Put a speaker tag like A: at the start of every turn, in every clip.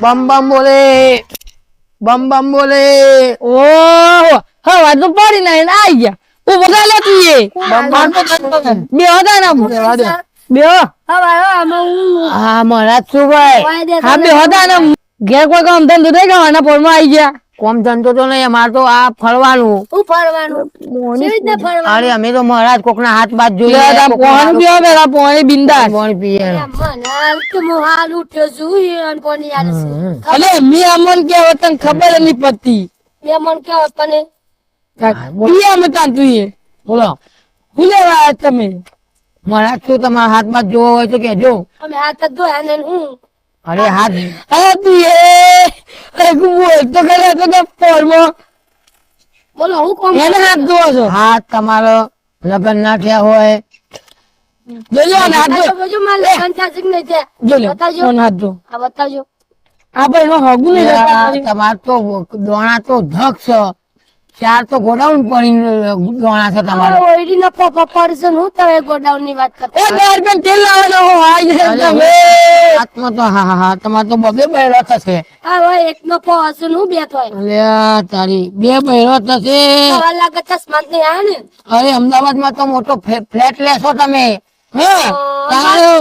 A: બમ બમ બોલે, બમ બમ બોલે.
B: ઓહ હવે તો પડી નહીં આવી ગયા તું બધા લે તું એ બે હતા ને બે
A: હા મહારાજ શું ભાઈ?
B: હા બે હતા ને ઘેર કોઈ કામ ધંધો થઈ ગયો પોરમાં આવી ગયા
A: કોમ ધંધો તો નહીં, અમારે તો આ ફરવાનું. અરે અમે તો મહારાજ કોકના હાથ બાદ જોઈએ.
B: પોણી પીવા પેલા પોણી બિંદાસ
A: પાણી પીએ.
B: અલે મી અમન કે વતન ખબર નહીં પડતી અમે તાન તું એ
A: બોલો
B: હું લેવા આવ્યા તમે
A: મહારાજ શું તમારા હાથ બાદ જોવો હોય તો કેજો. અરે હાથ
B: અરે તું એ બોલ તો કરે તો કે પોરમાં એને હાથ ધોવો છો
A: હાથ તમારો લગ્ન ના થયા હોય
B: જોજો ને હાથ ધો જો લે કોણ હાથ ધો આપણે એનો હગું નહીં રહેતા.
A: તમારે તો દોણા તો ધક છે, ચાર તો ગોડાઉન પડી દોણા છે તમારે.
B: એ ગાર્બન તેલ લાવવાનો હો આઈ જાય તમે
A: હાથમાં તો હા તમારે તો બબે બહેરો થશે. અલ્યા તારી બે બહેરો થશે. અરે અમદાવાદ માં તો મોટો ફ્લેટ લેશો તમે. હે તારો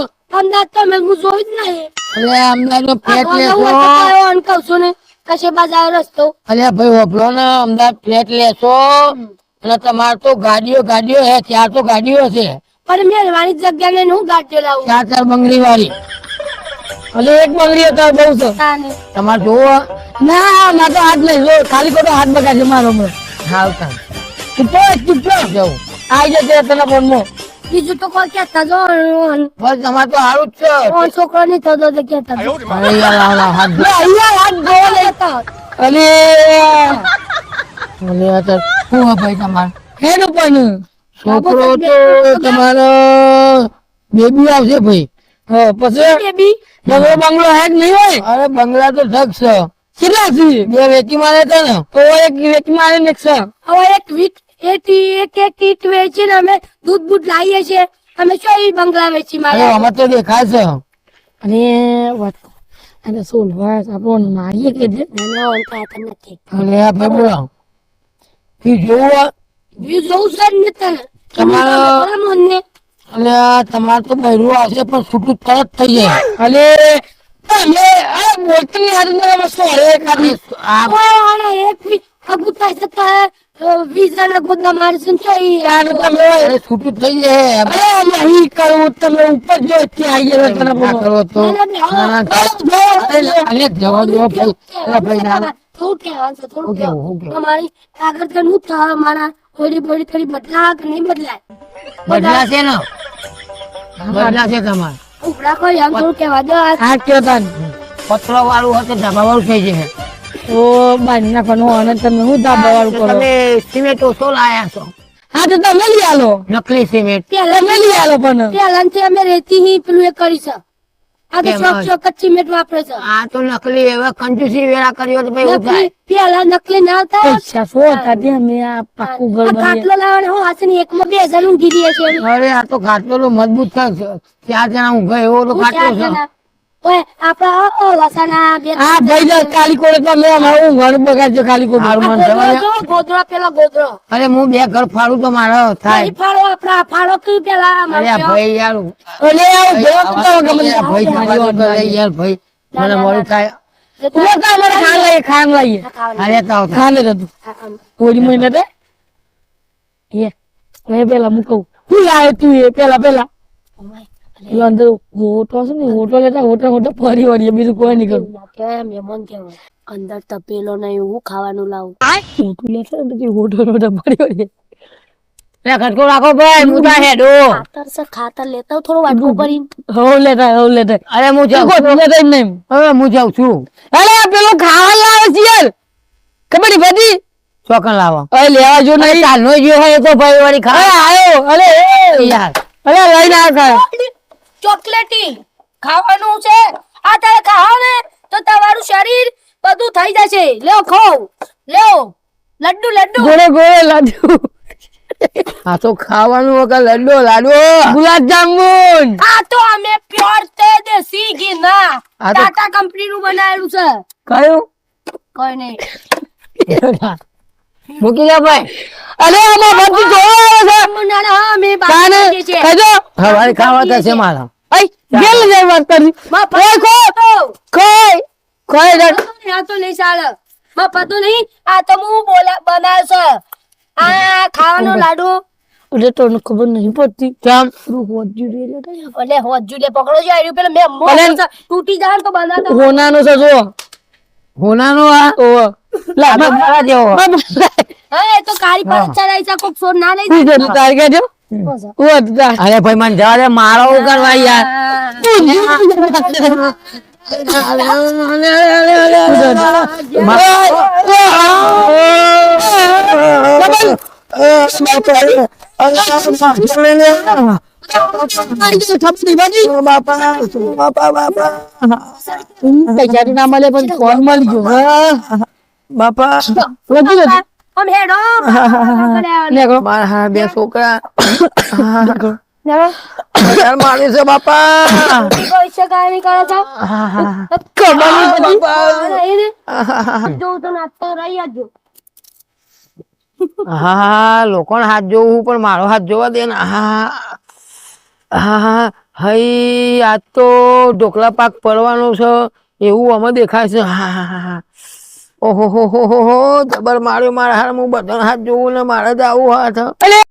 A: અલ્યા અમદાવાદ ફ્લેટ લેશો. અલ્યા ભાઈ હોભળો ને, અમદાવાદ ફ્લેટ લેશો અને તમારે તો ગાડીઓ હે, ચાર તો ગાડીઓ છે,
C: પણ મેળવાની જગ્યા ને હું ગાડીઓ લાવું
A: ચાર બંગડી વાળી.
B: અલે એક બંગડી હતા બહુ છે
A: તમારે જોવો
B: ના ના તો હાથ નહીં જો ખાલી ખોટો હાથ બગાડે મારો હમણાં
A: હાલતા
B: ચૂપ
A: જવું.
B: આઈ જશે તને ફોનમાં
C: બીજું તો કોઈ કેતા જો
A: બસ તમારે તો સારું જ છે.
C: છોકરો નહીં થતો તો કેતા જો.
A: અરે યાર હાથ
B: લે અહીંયા હાથ ધોવા લેતા અલે
A: અલ્યા તાર શું હે ભાઈ તમારે?
B: હેનું પણ
A: છોકરો તો તમારો બેબી આવશે ભાઈ.
B: હા પછી
C: બેબી
B: બંગલો બંગલો હે કે નહીં હોય
A: અરે બંગલા તો ધક છે,
B: કેટલા છે
A: બે વેચી મારે છે ને.
B: તો એક વેચી મારે ને
C: હવે એક વીક એક કીટ વેચીને અમે દૂધ લાવીએ છીએ. અમે શું એ બંગલા વેચી
A: અરે
C: મારે
A: અમે તો દેખાય છે.
B: અને વાત અને શું વાત આપણને મારીએ કે છે
C: નથી
A: અરે આ ભાઈ બોલો ઈ જોવો.
C: વ્યૂ જોઉં છે ને તને
A: તમારો
C: મને
A: અલ્યા તમારે તો બહેરું આવશે પણ છૂટું તરત થઈ જાય.
B: અલે તમે આ બોલતી હાથ વસ્તુ અરે ખાલી
A: આ
C: એક વીક અગુતા જતા વીઝા ના ગોદા મારે છે
B: યાર તમે
A: અરે છૂટું થઈ જાય.
B: અરે નહીં કરવું તમે ઉપર જો ત્યાં આવી ગયા તને
A: ના કરો તો ના, અરે જવા દો ભાઈ. અરે ભાઈ ના
C: થોડું કહેવાનું છે થોડું
A: હું કેવું, હું કેવું?
C: તમારી આગળ કે હું થવા મારા થોડી બોડી થોડી બદલા કે નહીં બદલાય
A: બદલાશે ને, બદલાશે તમારે.
C: ઉપડા કોઈ આમ થોડું કહેવા દો
B: આ કયો તાન
A: પતરો વાળું હોય તો ધાબા વાળું થઈ જશે.
B: ઓ બાંધી નાખવાનું અને તમે હું ધાબા વાળું કરો
A: તમે સિમેન્ટ ઓછો લાયા છો,
B: હા તો તમે લઈ આલો
A: નકલી સિમેન્ટ.
B: તમે લઈ આલો પણ
C: પહેલાથી અમે રેતી ની પેલું એ કરી છે આ તો
A: કેમ?
C: ચોક કચ્ચી મેટ વાપરે છે
A: આ તો નકલી હવે કંજૂસી વેળા કર્યો તો ભાઈ એવું થાય.
C: પેલા નકલી ના થાય
B: પૈસા શું હતા તે અમે આ પાકું ઘર
C: આ
B: બનાવીએ
C: ખાટલો લાવવાનો હું હાથે ની એકમાં 2000 ઊંઘી દઈએ છે
A: અરે આ તો ખાટલો તો મજબૂત છે, ચાર જણા ઊંઘે એવો તો ખાટલો છે.
C: ઓય આપડા લસાના બે
B: આ ભાઈ જા કાલી કોડે તો મેં અમારું ઘર બગાડજો ખાલી કોડે
A: હારું મને જવા દે.
C: ગોદરો પેલો ગોદરો
A: અરે હું બે ઘર ફાડું તો મારો થાય.
C: નહીં ફાળો આપડા ફાળો કયું પેલા
A: અરે આ ભાઈ યાર
B: અલે આવ ભેગો તો ગમે
A: અરે આ ભાઈ જવા દો તો લે યાર ભાઈ, મને મોડું થાય.
B: હું તો અમારે ખાન લઈએ
A: અરે તો
B: ખાને હતું ઓડી મહિને તે એ મેં પેલા મૂકવું હું લાવે તું એ પેલા એ અંદર હોટો છે ને હોટો લેતા હોટો ફરી વળીએ બીજું કોઈ નહીં કરું
C: કેમ મહેમાન કેવાય અંદર તપેલો નહીં હું ખાવાનું લાવું
B: હોટું લેતા ને પછી હોટો ફરી વળીએ
A: લે ખટકો રાખો ભાઈ, હું તા હેડો.
C: ખાતર લેતા થોડું વાટકું કરીને
B: હવ લેતા
A: અરે હું જાઉં છું.
B: લેતા જ નહીં
A: હવે હું જાઉં છું.
B: અરે આ પેલો ખાવા લાવે છે યાર ખબર નહીં પડી
A: ચોકન લાવો.
B: અરે લેવા જો નહીં
A: ચાલનો જે હોય એ તો ભાઈ વાળી
B: અરે
A: ખા
B: આયો અરે
A: યાર.
B: અરે લઈને આવ ખાય
C: ચોકલેટી ખાવાનું છે આ તારે ખાઓ ને તો તમારું શરીર બધું થઈ જશે લ્યો ખાઓ લ્યો લડ્ડુ
B: ગોળે લાડુ
A: આ તો ખાવાનું વગર લડ્ડો લાડવો ગુલાબ જાંબુ
C: આ તો અમે પ્યોર તે દેશી ઘી ના
A: આ તો-
C: ટાટા કંપની નું બનાવેલું છે
A: કયું
C: કોઈ નહીં
A: મૂકી દે ભાઈ અરે આમાં બધું જોવા આવે છે
C: હા અમે
A: કાને
C: બાકી છીએ
A: કહેજો હવારે ખાવા થશે મારા
B: આઈ ગેલ જાય વાત કરી
C: મફત
A: કોઈ કોઈ
C: આ તો નહીં ચાલે મફત નહીં આ તો હું બનાવ્યો છે આ ખાવાનો લાડુ
B: એટલે તને ખબર નહીં પડતી
A: કેમ
C: એટલે હોજુલે પકડો છે આર્યું પેલા મેં મોં
B: અલે.
C: છે, તૂટી જાય ને તો બનાવતા
B: હોનાનો છે જો
A: હોનાનો આ
B: ઓહ લા
A: આ તો મારા જેવો
C: હા એ તો કાળી પર ચડાઈ છે કોક સોર ના લઈ
B: તું
C: જાય
B: જતું તાર કે જો ઓ તા
A: અરે ભાઈ મને જવા દે મારો કરવા યાર
B: પૈસા ના મળે પણ ફોન મળી ગયો
A: બાપા
B: લગી જતું
C: આમ હેડો
B: નીકળો
A: મારા હા બે છોકરા
B: નીકળો
A: યાર મારે છે બાપા
C: પૈસા કાંઈ નહીં કરે છે
B: ખબર નહીં પડી
C: જોઉં તો નાચતો રહી જ
A: હા લોકોનો હાથ જોવું પણ મારો હાથ જોવા દે ને હા હા હઈ આજ તો ઢોકળા પાક પડવાનો છે એવું અમે દેખાય છે હા હા હા ઓહો હો જબર માર્યો મારા હાર હું બધાનો હાથ જોવું ને મારે જ આવું હાથ
B: અલે